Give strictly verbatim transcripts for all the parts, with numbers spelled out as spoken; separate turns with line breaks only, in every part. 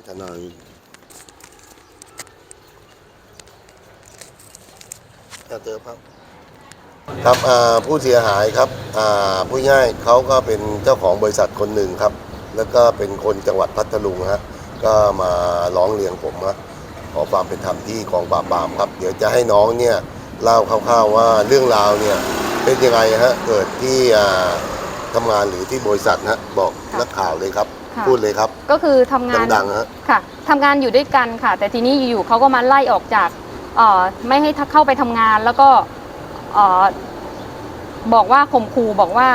ทนายเจอครับครับผู้เสียหายครับผู้ง่ายเขาก็เป็นเจ้าของบริษัทคนหนึ่งครับแล้วก็เป็นคนจังหวัดพัทลุงฮะก็มาร้องเรียนผมฮะขอความเป็นธรรมที่กองปราบปรามครับเดี๋ยวจะให้น้องเนี่ยเล่าคร่าวๆว่าเรื่องราวเนี่ยเป็นยังไงฮะเกิดที่ทำงานหรือที่บริษัทฮะบอกนักข่าวเลยครับพูดเลยครับ
ก็คือทำงาน
ดังๆฮะ
ค่ะทำงานอยู่ด้วยกันค่ะแต่ทีนี้อยู่ๆเขาก็มาไล่ออกจากไม่ให้เข้าไปทำงานแล้วก็บอกว่าข่มขู่บอกว่า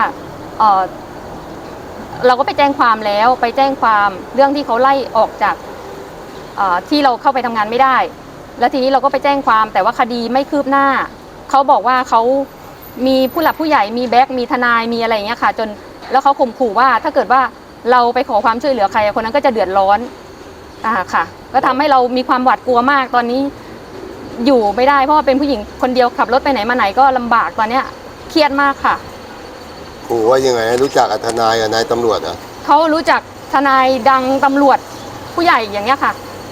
เราก็ไปแจ้งความแล้วไปแจ้งความเรื่องที่เขาไล่ออกจากที่เราเข้าไปทำงานไม่ได้แล้วทีนี้เราก็ไปแจ้งความแต่ว่าคดีไม่คืบหน้าเขาบอกว่าเขามีผู้หลักผู้ใหญ่มีแบ็กมีทนายมีอะไรอย่างเงี้ยค่ะจนแล้วเขาข่มขู่ว่าถ้าเกิดว่าเราไปขอความช่วยเหลือใครคนนั้นก็จะเดือดร้อนอ่าค่ะก็ทำให้เรามีความหวาดกลัวมากตอนนี้อยู่ไม่ได้เพราะว่าเป็นผู้หญิงคนเดียวขับรถไปไหนมาไหนก็ลำบากตอนเนี้ยเครียดมากค่ะ
ขู่ว่ายังไงรู้จักทนายกับนายตำรวจอ่ะ
เขารู้จักทนายดังตำรวจผู้ใหญ่อย่างเงี้ยค่ะ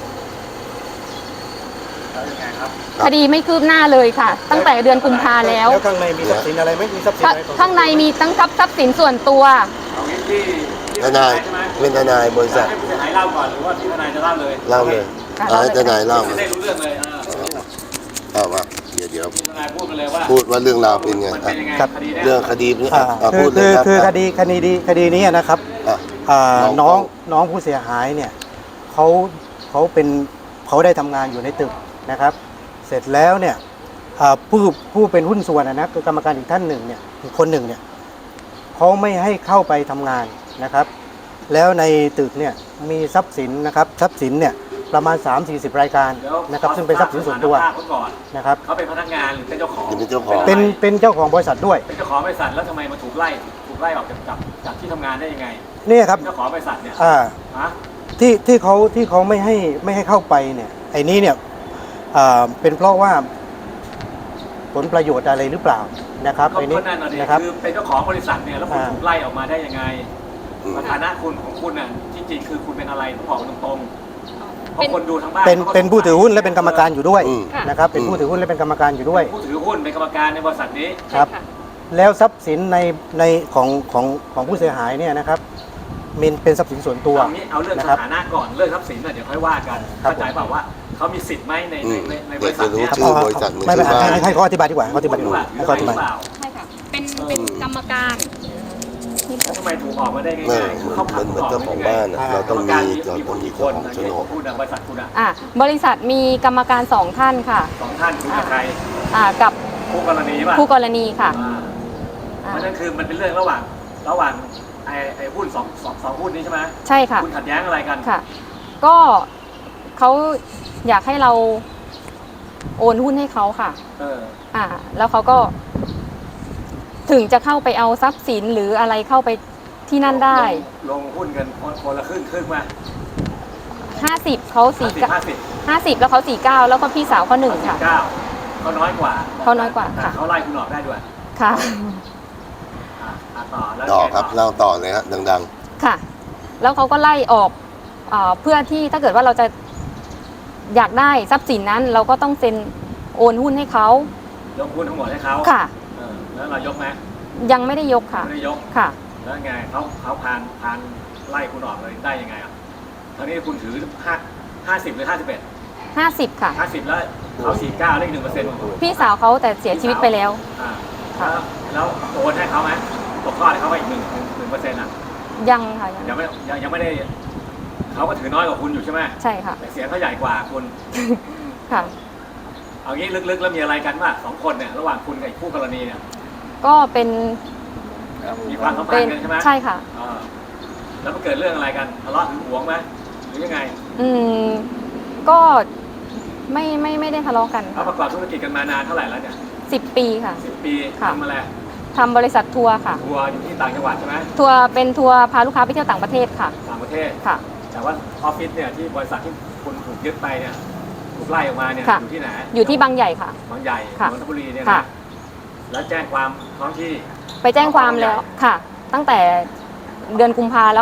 คดีไม่คืบหน้าเลยค่ะตั้งแต่เดือนกุมภาแล้ว
แล้วข้างในมีทรัพย์สินอะไรไหมมีทรัพย์สินอะไร
ข้างในมีตั้งทรัพย์สินส่วนตัว
ทนายเป็นทนายบริษัท
ผู้เสียหายเล่าก่อนหรือว่าพี่ทนายจะเล่าเลย
เล่าเลยให้ทนายเล่า
ได้รู้เรื่องเลย
เอาว่าเดี๋ยวเดี๋ยว
ทนายพูดไปเลยว่า
พูดว่าเรื่องราวเป็นไง
ครับ
เรื่องคดีนี้
พูดเลยครับคือคดีคดีดีคดีนี้นะครับน้องน้องผู้เสียหายเนี่ยเขาเขาเป็นเขาได้ทำงานอยู่ในตึกนะครับเสร็จแล้วเนี่ยผู้ผู้เป็นหุ้นส่วนนะคือกรรมการอีกท่านหนึ่งเนี่ยอีกคนหนึ่งเนี่ยเขาไม่ให้เข้าไปทำงานนะครับแล้วในตึกเนี่ยมีทรัพย์สินนะครับทรัพย์สินเนี่ยประมาณ สามถึงสี่สิบ รายการนะครับซึ่งเป็นทรัพย์สินส่วนตัวนะครับ
เขาเป็นพนักงานหรือเป็นเจ้าของ
เป็นเจ้าของ
เป็นเป็นเจ้าของบริษัทด้วย
เป็นเจ้าของบริษัทแล้วทำไมมาถูกไล่ถูกไล่ออกจากจากจากที่ทำงานได้ยังไง
นี่ครับ
เจ้าของบริษัทเนี่ย
อ่าที่ที่เขาที่เขาไม่ให้ไม่ให้เข้าไปเนี่ยไอ้นี้เนี่ยเป็นเพราะว่าผลประโยชน์อะไรหรือเปล่านะครับ
ไอ้
นี้
นะครับคือเป็นเจ้าของบริษัทเนี่ยแล้วคุณถูกไล่ออกมาได้ยังไงฐานะคุณของคุณน่ะจริงๆคือคุณเป็นอะไรต้องบอกตรงๆเพราะคนดูทั้งบ้าน
เป็นเป็นผู้ถือหุ้นและเป็นกรรมการอยู่ด้วยนะครับเป็นผู้ถือหุ้นและเป็นกรรมการอยู่ด้วย
ผู้ถือหุ้นเป็นกรรมการในบริษัทนี้
ครับแล้วทรัพย์สินในในของของของผู้เสียหายเนี่ยนะครับมันเป็นทรัพย์สินส่วนตัว
เอาเรื่องสถานะก่อนเรื่องทรัพย์สินน่ะเดี๋ยวค่อยว่ากันเข้าใจเปล่าว่าเขามีสิทธิ์ไหมในในในบริษัทนี้
ไม่ไม่ให้ให้เขาอธิบายดีกว่าเขาอธิบายดีกว่าให้เขาอธิบาย
ใช่ค่ะเป็นเป็นกรรมการ
ทำไมถูกออกมาได้ง่าย
ๆเขาเหมือนเจ้าของบ้านเราต้องมีเราต้องมีคนโฉนด
พูดบริษัทคุณ
อ่ะบริษัทมีกรรมการสองท่านค่ะ
สองท่านคือกับใคร
อ่ากับ
คู่กรณีป่ะ
คู่กรณีค่ะ
เพราะนั่นคือมันเป็นเรื่องระหว่างระหว่างไอ้ไอ้หุ้นสองสองสองหุ้นนี้ใช่ไหม
ใช่ค่ะ
คุณขัดแย้งอะไรกัน
ค่ะก็เขาอยากให้เราโอนหุ้นให้เขาค่ะ
เออ
อ่าแล้วเขาก็ถึงจะเข้าไปเอาทรัพย์สินหรืออะไรเข้าไปที่นั่นได้
ลงหุ้นกันคนละครึ่งครึ่งมา
ห้าสิบเขาสี่เก้าห้าสิบแล้วเขาสี่เก้าแล้วก็พี่สาวเขาหนึ่งค่ะ
เก้าเขาน้อยกว่า
เขาน้อยกว่าค่ะ
เขาไล่คุณออกได้ด้วย
ค่ะ
ต่อแล้ว
ต่อครับเล่าต่อเลยฮะดัง
ๆค่ะแล้วเขาก็ไล่ออกเพื่อที่ถ้าเกิดว่าเราจะอยากได้ทรัพย์สินนั้นเราก็ต้องเซ็นโอนหุ้นให้เขา
ยกหุ้นทั้งหมดให้เขา
ค่ะ
แล้วเรายกไหม
ยังไม่ได้ยกค่ะ
ไม่ได้ยก
ค่ะ
แล้วไงเขาเขาพานพานไล่คุณออกเลยได้ยังไงอ่ะตอนนี้คุณถือห้าห้าสิบหรือห้าสิบเอ็ด
ห้าสิบค่ะ
ห้าสิบแล้วเขาสี่เก้าเลขหนึ่งเปอร์เซ็นต์
พี่สาวเขาแต่เสียชีวิตไปแล้ว
อ่าแล้วแล้วโอนให้เขาไหมตกทอดให้เขาไปอีกหนึ่งหนึ่งเปอร์เซ็นต์อ่ะ
ยังค่ะ
ยังไม่ยังยังไม่ได้เขาก็ถือน้อยกว่าคุณอยู่ใช่ไหม
ใช่ค่ะ
แต่เสียงเขาใหญ่กว่าคุณ
ค่ะ
เอางี้ลึกๆแล้วมีอะไรกันว่าสองคนเนี่ยระหว่างคุณกับคู่กรณีเนี่ย
ก็เป็น
มีความสัมพันธ์กันใช่ไหม
ใช่ค่ะ
แล้วมันเกิดเรื่องอะไรกันทะเลาะหึงหวงไหมหรือยังไง
อืมก็ไม่ไม่ไม่ได้ทะเลาะกัน
เขาประกอบธุรกิจกันมานานเท่าไหร่แล้วเนี่ย
สิบปีค่ะ
สิบปีทำอะไร
ทำบริษัททัวร์ค่ะ
ทัวร์อยู่ที่ต่างจังหวัดใช่ไหม
ทัวร์เป็นทัวร์พาลูกค้าไปเที่ยวต่างประเทศค่ะ
ต่างประเทศ
ค่ะ
แต่ว่าออฟฟิศเนี่ยที่บริษัทที่คุณถูกยึดไปเนี่ยถูกไล่ออกมาเนี่ยอยู่ที่ไหน
อยู่ที่บางใหญ่ค่ะ
บางใหญ่นนทบุรีเนี่ยนะแล้วแจ้งความท้องที่
ไปแจ้งความแล้วค่ะตั้งแต่เดือนกุมภาแล้วค่ะ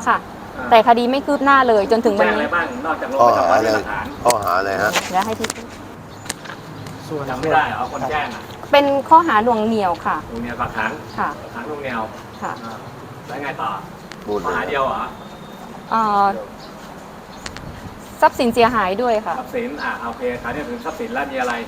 แต่คดีไม่คืบหน้าเลยจนถึงวัน
แจ้งอะไร
นี้
บ้างนอกจากลง
ข้อ
ประ
หา
จำวัน
อะไร
เป็นหลักฐาน
ข้อหาอะไรฮะ
แล้วให้ที่
ส่วน
จำไม่ได้เหรอคนแจ้งอ่ะ
เป็นข้อหาหน่วงเหนี่ยวค่ะ
ลุงแนวฝากขัง
ค่ะ
ขังลุงแนว
ค่ะ
อ่าแล้วไงต่อ
พูด
ข้อ
เลย
หาเดียวเหรอ
เอ่อทรัพย์สินเสียหายด้วยค่ะ
ทรัพย์สินอ่ะโอเคคราวนี้ถึงทรัพย์สินแล้วมีอะไร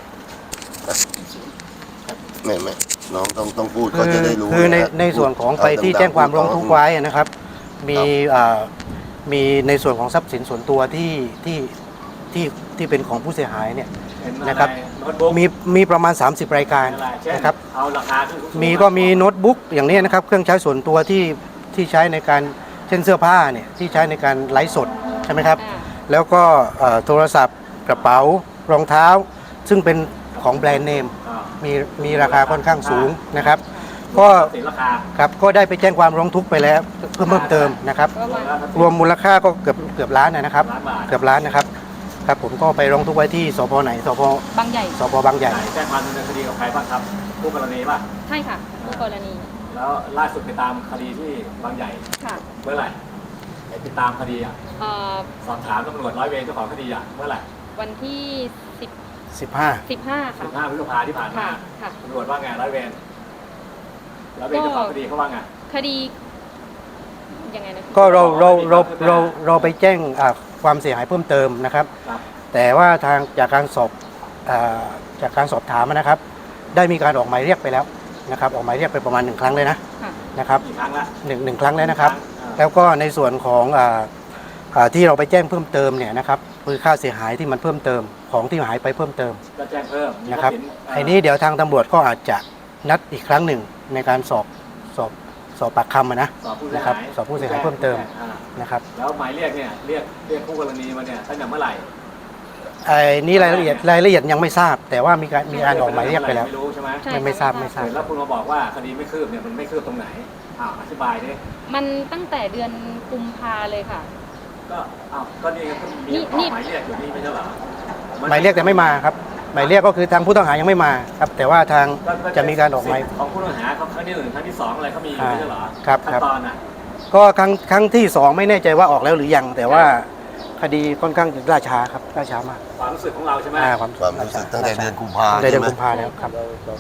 ไม่ไม่น้องต้องต้องพูด
คื
เขา
อ
จะได้รู้
คือใน
ะฮะ
ในส่วนของ
พูด
ไปที่
ดัๆ
แจ้งความ
พูด
ร้อง
ต่
ทุกข์ไว้นะครับ มีอ่ามีในส่วนของทรัพย์สินส่วนตัวที่ที่ที่ที่เป็นของผู้เสียหายเนี่ย
เป็นอะไร
นะครับ
โน้ตบุ๊ก
มีมีประมาณ สามสิบ รายการ
อะไรเช่น
นะครับ
เอาราคาขึ้นสูงๆ
มีก็มีโน้ตบุ๊กอย่างนี้นะครับ เครื่องใช้ส่วนตัวที่ที่ใช้ในการเช่นเสื้อผ้าเนี่ยที่ใช้ในการไลฟ์สดใช่ไหมครับ
อ่า
แล้วก็เอ่อโทรศัพท์กระเป๋ารองเท้า ซึ่งเป็นของแบรนด์เนม
อ่า
มีมีราคาค่อนข้างสูงนะครับ ก็
ทรัพย์สินราคา
ครับก็ได้ไปแจ้งความร้องทุกข์ไปแล้วเพิ่มเพิ่มเติมนะครับ
ประมาณ
รวมมูลค่าก็เกือบเกือบล้านนะครับ
ล้านบาท
เกือบล้านนะครับครับผมก็ไปร้องทุกข์ไว้ที่สพไหนสพ
บางใหญ่
สพบางใหญ่
แจ้งความดำเนินคดีกับใครบ้างครับผู้กรณีป่ะ
ใช่ค่ะผู้กรณี
แล้วล่าสุดไปตามคดีที่บางใหญ่
ค่ะ
เมื่อไหร่ไอ้ติดตามคดีอ่ะ
เอ่อ
สอบถามตำรวจร้อยเวรเจ้าของคดีอ่ะเมื่อไหร่
วันที่สิบ
สิบห้า
สิบห้าค่ะ
สิบห้าพฤษภาที่ผ่านมา
ค่ะค่ะ
ตำรวจว่าไงร้อยเวรร้อยเวรเจ้าของคดีเขาว่าไง
คดียังไงนะ
ก็เราเราเราเราเราไปแจ้งอ่าความเสียหายเพิ่มเติมนะครับ
ครับ
แต่ว่าทางจากการสอบอ่าจากการสอบถามนะครับ ได้มีการออกหมายเรียกไปแล้วนะครับ ออกหมายเรียกไปประมาณหนึ่งครั้งเลยนะ
ค่ะ
นะครับ
กี่ครั้งละ
หนึ่งหนึ่งครั้งแล้วนะครับ
อ่า
แล้วก็ในส่วนของอ่าอ่าที่เราไปแจ้งเพิ่มเติมเนี่ยนะครับคือค่าเสียหายที่มันเพิ่มเติมของที่หายไปเพิ่มเติม
ก็แจ้งเพิ่มมี
นะครับ
ทพย์สิ
ไอ้นี้เดี๋ยวทางตำรวจก็อาจจะนัดอีกครั้งหนึ่งในการสอบสอบสอบปากคำอะนะ
สอบผู้เสีย
นะครับ
หาย
สอบผู้เสียหายเพิ่มเติม
อ่า
นะครับ
แล้วหมายเรียกเนี่ยเรียกเรียกคู่กรณีมาเนี่ยตั้งแต่เมื่อไหร่
ไอ้นี้รายละเอียดรายละเอียดยังไม่ทราบ แต่ว่ามีการมีการออกหมายเรียกไปแล้ว
ไม่รู้ใช่ไหม
ใช่
ไม่ไม่ทราบไม่ทราบ
แล้วคุณมาบอกว่าคดีไม่คืบเนี่ยมันไม่คืบตรงไหนอ้าวอธิบายดิ
มันตั้งแต่เดือนกุมภาเลยค่ะ
ก็อ้าวก็นี่ก็มี
นี่นี่
หมายเรียกอยู่นี่ไม่ใช่เหรอ
หมายเรียกแต่ไม่มาครับหมายเรียกก็คือทางผู้ต้องหายังไม่มาครับ แต่ว่าทางจะมีการออกหมาย
ของผู้ต้องหาเขาครั้งที่หนึ่งครั้งที่สองอะไรเขามีอยู่ไม่ใช่เหรอ
ครับ
ขั้น
ครับ
ตอนอ่ะ
ก็ครั้งครั้งที่สองไม่แน่ใจว่าออกแล้วหรือยัง แต่ว่าคดีค่อนข้างจะล่าช้าครับล่าช้ามาก
ความรู้สึกของเราใช่ไหม
อ่าความ
ความรู้สึกตั้งแต่เดือนกุมภา
ตั้งแต่เดือน
ใช่ไหม
กุมภาแล้วครับ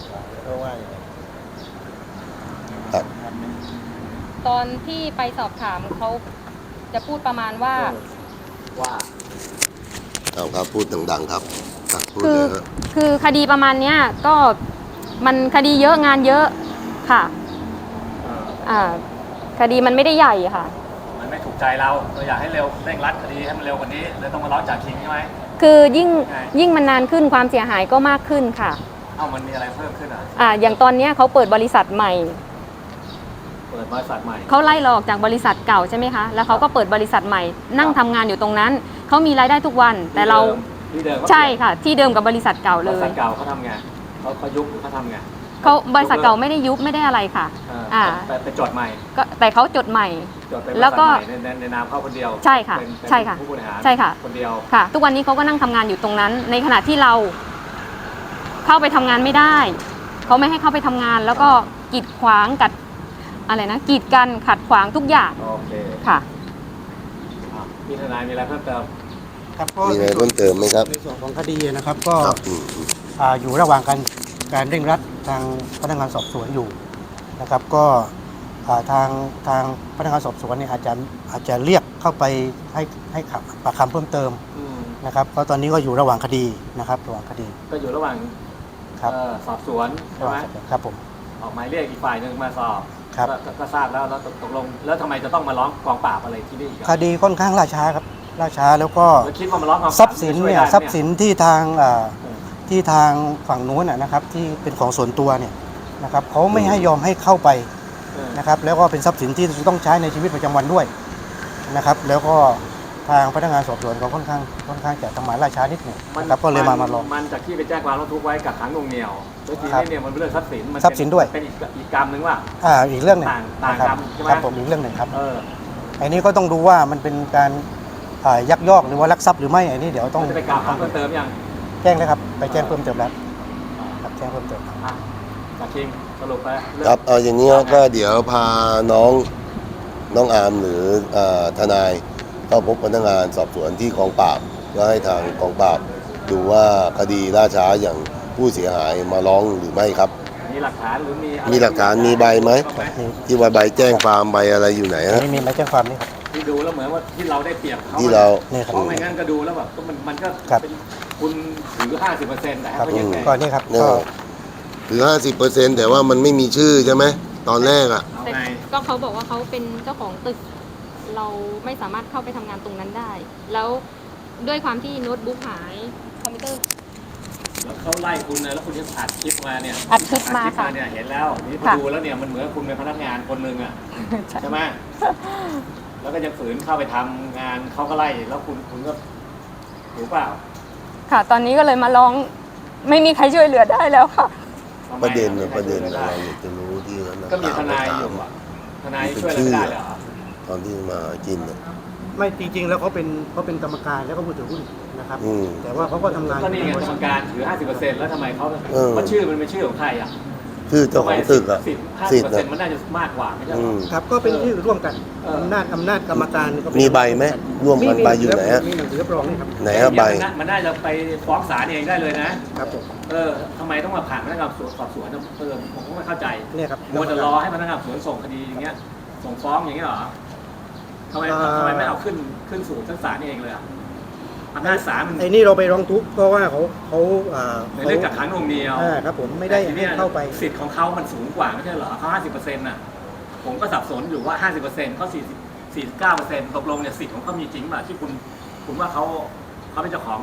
ครับ
ตอนที่ไปสอบถามเขาจะพูดประมาณว่า
ว่า
เอาครับพูดดังๆครับครับพูด
คื
เล
อย
ฮะ
คือคดีประมาณเนี้ยก็มันคดีเยอะงานเยอะค่ะ
เอ่อ
อ่าคดีมันไม่ได้ใหญ่ค่ะ
มันไม่ถูกใจเราเราอยากให้เร็วเร่งรัดคดีให้มันเร็วกว่านี้เลยต้องมาร้องจากคิงใช่ไหม
คือยิ่ง
ใช่
ยิ่งมันนานขึ้นความเสียหายก็มากขึ้นค่ะ
เอ้ามันมีอะไรเพิ่มขึ้นอ่ะ
อ่าอย่างตอนเนี้ยเขาเปิดบริษัทใหม่
เปิดบริษัทใหม่
เขาไล่เราออกจากบริษัทเก่าใช่ไหมคะแล้วเขาก็เปิดบริษัทใหม่ นั่งทำงานอยู่ตรงนั้นเขามีรายได้ทุกวัน แต่เรา
ที่เดิม
ใช่ค่ะ ที่เดิมกับบริษัทเก่า
บ
เล
ริษั
ย
ทเก่าเขาทำไงเขาเขายุบหรือเขาทำไง
เขาบริษัทเก่าไม่ได้ยุบไม่ได้อะไรค่ะ
เออ
อ่า
แต่ไปจดใหม่
ก็แต่เขาจดใหม่
จดเป็นบริ
แล้
ษั
ว
ท
ก็
ใหม่ในในในนามเขาคนเดียว
ใช่ค่ะ
เป็นเป็น
ใช่ค่ะ
ผู้บริหาร
ใช่ค่ะ
คนเดียว
ค่ะ ทุกวันนี้เขาก็นั่งทำงานอยู่ตรงนั้น ในขณะที่เราเข้าไปทำงานไม่ได้เขาไม่ให้เข้าไปทำงาน แล้วก็กีดขวางกัดอะไรนะกีดกันขัดขวางทุกอย่าง
โอเค
ค่ะ
อ่ะพี่ทนายมีอะไรเพิ่มเติม
ครับก็
มีอะไรเพิ่มเติมไหมครับ
ในส่วนของคดีนะครับก็
ครับอืมอืม
อ่าอยู่ระหว่างการการเร่งรัดทางพนักงานสอบสวนอยู่นะครับ ก็อ่าทางทางพนักงานสอบสวนเนี่ยอาจจะอาจจะเรียกเข้าไปให้ให้ขับปากคำเพิ่มเติม
อืม
นะครับก็ตอนนี้ก็อยู่ระหว่างคดีนะครับระหว่างคดี
ก็อยู่ระหว่าง
ครับ
เอ่อสอบสวนใช่
ระห
ไหม
ว่างคดีครับผม
ออกหมายเรียกอีกฝ่ายหนึ่งมาสอบ
ครับ
ก็ก็ก็ทราบแล้วแล้วตกลง แล้วทำไมจะต้องมาร้องกองปราบอะไรที่นี่อีก
ค
อ่ะ
ดีค่อนข้างล่าช้าครับล่าช้าแล้วก็
แล้วคิดว่ามาร้องกองปราบ
ทรัพย์สินเนี่ย
จะช่วได้ไหม
ทรัพย์สินที่ทางอ่า
เออ
ที่ทางฝั่งนู้นนะนะครับที่เป็นของส่วนตัวเนี่ยนะครับเขาไม่ให้ยอมให้เข้าไป
เออ
นะครับแล้วก็เป็นทรัพย์สินที่จะต้องใช้ในชีวิตประจำวันด้วยนะครับแล้วก็ทางพนักงานสอบสวนเขาค่อนข้างค่อนข้างจะทำหมายล่าช้านิดหนึ่งนะครับก็เลยมามาลอง
มันจากที่ไปแจ้งความร้องทุกข์ไว้กับขังหน่วงเหนี่ยวแล้วที
ครับ
นี้เนี่ยมันเป็นเรื่องทรัพย์สินมั
ทรัพย์สินด้วย
เป็นอีกอีกกรรมหนึ่งว่า
อ่าอีกเรื่องหนึ่ง
ต่างต่าง
นะครับ
กรรมใช่ไหม
ครับผมอีกเรื่องหนึ่งครับ
เออ
ไอ้นี้ก็ต้องดูว่ามันเป็นการอ่ายักยอกหรือว่าลักทรัพย์หรือไม่ไอ้นี้เดี๋ยวต้อง
จะไปกล่าวหาเพิ่มเติมยัง
แจ้งเลยครับไปแจ้งเพิ่มเติมแล้วครับแจ้งเพิ่มเติมครับ
อ่ะจากคิงสรุปไปเรื่อง
ครับเอาอย่างนี้ก็เดี๋ยวพาน้องน้องอาร์มหรืออ่าทนายเข้าพบพนักงานสอบสวนที่กองปราบก็ให้ทางกองปราบดูว่าคดีล่าช้าอย่างผู้เสียหายมาร้องหรือไม่ครับ
มีหลักฐานหรือมีอะไร
มีหลักฐานมีใบไหมที่ว่าใบแจ้งความใบอะไรอยู่ไหนฮะ
นี่มีใบแจ้งความนี่ครับ
ที่ดูแล้วเหมือนว่าที่เราได้เปรียบเขา
ที่เรา
เนี่ยครับ
เพราะไม่งั้นก็ดูแล้วแบบก็มันมันก็
ครับ
เป็นคุณถือห้าสิบเปอร์เซ็นต์แต่
ครับ
ก็ยังไง
ก็นี่ครับ
เนี่ย
ก็
ถือห้าสิบเปอร์เซ็นต์แต่ว่ามันไม่มีชื่อใช่ไหมตอนแรกอ่ะ
เอา
แต่
ไง
ก็เขาบอกว่าเขาเป็นเจ้าของตึก เราไม่สามารถเข้าไปทำงานตรงนั้นได้ แล้วด้วยความที่โน้ตบุ๊กหายคอมพิวเตอร์
แล้วเขาไล่คุณนะแล้วคุณยังอัดคลิปมาเนี่ย
อัดคลิปมาค่ะ
เนี่ยเห็นแล้วนี่พอ
ค่ะ
ดูแล้วเนี่ยมันเหมือนคุณเป็นพนักงานคนหนึ่งอ่ะ
ใช่
ใช่ไหมแล้วก็จะฝืนเข้าไปทำงานเขาก็ไล่แล้วคุณคุณก็ถูกเปล่า
ค่ะ ตอนนี้ก็เลยมาร้องไม่มีใครช่วยเหลือได้แล้วค่ะ
ทำไม
ประเด็น
อ่
น่ะประเด็น
ไม่
อะไร
ได้
อยากจะรู้ที่เขา
ก็มีทนาย
ถ
อยู่
ม
อ่ะทนายช่วยอะไรไม่ได้เลยเหรอ
ตอนที่มากินน่ะ
ไม่จริงๆ แล้วเขาเป็นเขาเป็นกรรมการแล้วก็ผู้ถือหุ้นนะครับ
อืม
แต่ว่าเขาก็ทำงาน
ก็นี่ไง
บ
กร
ริ
ร
ษั
ม
ท
การถือ ห้าสิบเปอร์เซ็นต์ แล้วทำไมเขา
เออ
เพราะชื่อมันเป็นชื่อของใครอ่ะ
ชื่อเจ้าของตึกอ่ะ
สิทธิ์ห้า
สิ
สิบ
ท
เปอร์
ธิ์
เซ็นต์มันน่าจะมากกว่าไม่ใช่เหร
อื
อ
ม
ครับก็เป็นชื่อร่วมกัน
เออ
อำนาจอำนาจกรรมการก็เป็น
มีใบไหมร่วมกันใบอยู่ไหนฮะ
มีหนังสือรับรองนี่ครับ
ไหนฮะใบ
มันน่ามันน่าจะไปฟ้องศาลเองได้เลยนะครับ
ผม
เออทำไมต้องมาผ่านพนักงานสอบสวนเออผมก็ไม่เข้าใจ
เนี่ยครับ
มัวแต่รอให้พนักงานสอบสวนส่งคดีอย่างเงี้ย ส่งฟ้องอย่างเงี้ยเหรอทำไม
อ่า
ทำไมไม่เอาขึ้นขึ้นสู่ชั้นศาลเองเลยอ่ะอำนาจศาลมัน
ไอ้นี่เราไปร้องทุกข์เพราะว่าเขาเขาอ่า
ในเรื่องกักขังหน่วงเหนียว
อ่าครับผมไม่ได้
แต่ที
ให้
นี้ย
เข้าไป
สิทธิ์ของเขามันสูงกว่าไม่ใช่เหรอเขาห้าสิบเปอร์เซ็นต์น่ะผมก็สับสนอยู่ว่าห้าสิบเปอร์เซ็นต์เขาสี่สิบสี่สิบเก้าเปอร์เซ็นต์ตกลงเนี่ยสิทธิ์ของเขามีจริงป่ะที่คุณคุณว่าเขาเขาเป็นเจ้าของ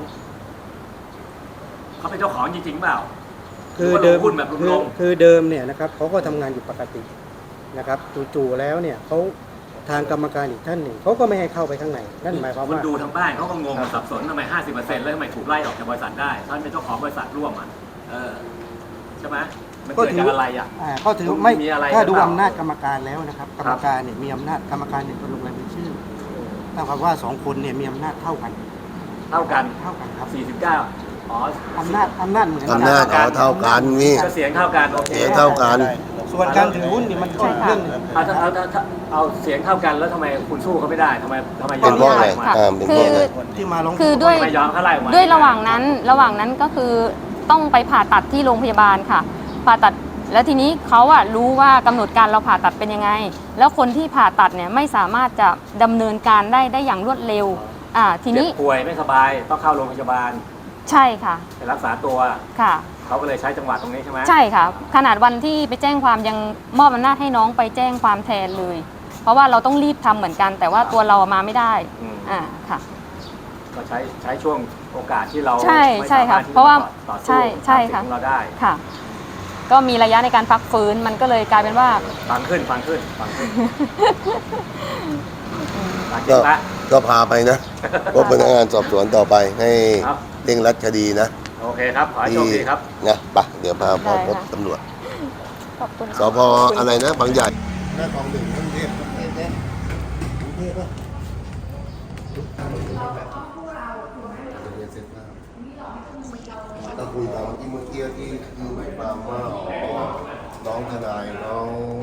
เขาเป็นเจ้าของจริงๆเปล่า
คือเดิม
หรือว่าลงหุ้นแบบ
คือ
ลง
คือเดิมเนี่ยนะครับเขาก็ทำงานอยู่ปกตินะครับจู่ๆแล้วเนี่ยเขาทางกรรมการอีกท่านหนึ่งเขาก็ไม่ให้เข้าไปข้างในนั่นหมายความ
คุณ
ว่า
ดูทางบ้านเขาก็งงสับสนทำไมห้าสิบเปอร์เซ็นต์แล้วทำไมถูกไล่ออกจากบริษัทได้ท่านเป็นเจ้าของบริษัทร่วมอ่ะเออใช่ไหมมัน
ก็
เกิด
ถื
จากอะไรอ่ะ
อ่าก็ถือไม่
มีอะไร
ถ้าดู
หรือเปล่า
อำนาจกรรมการแล้วนะครับกรรมการเนี่ยมีอำนาจกรรมการเนี่ยเป็นลงรายชื่อตั้งความว่าสองคนเนี่ยมีอำนาจเท่ากัน
เท่ากัน
เท่ากันครับ
สี่สิบเก้าอ๋อ
อำนาจอำนาจเหมือนกั
อำนาจเขาเท่ากันนี่
ก็เสียงเท่ากันโอเค
เสียงเท่ากัน
ส่วนการถือหุ้นเนี่ยมันก็อีกเรื่องหนึง
เอาถ้าเอาถ้าถ้าเอาเสียงเท่ากันแล้วทำไมคุณสู้เขาไม่ได้ทำไมทำไมย
เป็
อน ม
เพราะอะไร
ไล่ออกมา
ค่ะ
อ่าเป็นเพราะอะไร
ที่มาร้อง
คือด้วย
ทำไมยอมเขาไล่ออกมา
ด้วยระหว่างนั้นระหว่างนั้นก็คือต้องไปผ่าตัดที่โรงพยาบาลค่ะ ผ่าตัดแล้วทีนี้เขาอะรู้ว่ากำหนดการเราผ่าตัดเป็นยังไง แล้วคนที่ผ่าตัดเนี่ยไม่สามารถจะดำเนินการได้ได้อย่างรวดเร็วอ่าทีนี้
เจ็บป่วยไม่สบายต้องเข้าโรงพยาบาล
ใช่ค่ะ
ไปรักษาตัว
ค่ะ
เขาก็เลยใช้จังหวะตรงนี้ใช่ไหม
ใช่ค่ะ ขนาดวันที่ไปแจ้งความยังมอบอำนาจให้น้องไปแจ้งความแทนเลย เพราะว่าเราต้องรีบทำเหมือนกัน แต่ว่าตัวเรามาไม่ได้
อืม
อ่าค่ะ
ก็ใช้ใช้ช่วงโอกาสที่เรา
ใช่
ไม่
ใช่
สามาร
ค่ะ
ถที่
เพราะว่า
จต่อสู้
ใช่ใช่
ตามสิทธิ์
ค่ะ
ของเราได้
ค่ะ ก็มีระยะในการพักฟื้นมันก็เลยกลายเป็นว่า
ฟังขึ้นฟังขึ้นฟังขึ้นฟังจริ
ก็
งละ
ก็พาไปนะพบพนักงานสอบสวนต่อไปให้
ครับ
เร่งรัดคดีนะ
โอเคครับ ขอให้โชคดีครับ
นะไปเดี๋ยวพาพ่อ
ได้
พบ
ค่ะ
ตำรวจ
ขอบคุณ
สพอะไรนะบางใหญ่หน้ากองหนึ่งกรุงเทพกรุงเทพเนี่ยกรุงเทพป่ะก็คุยกันที่เมื่อกี้ที่คือหมายความว่าอ๋อน้องทนายน้อง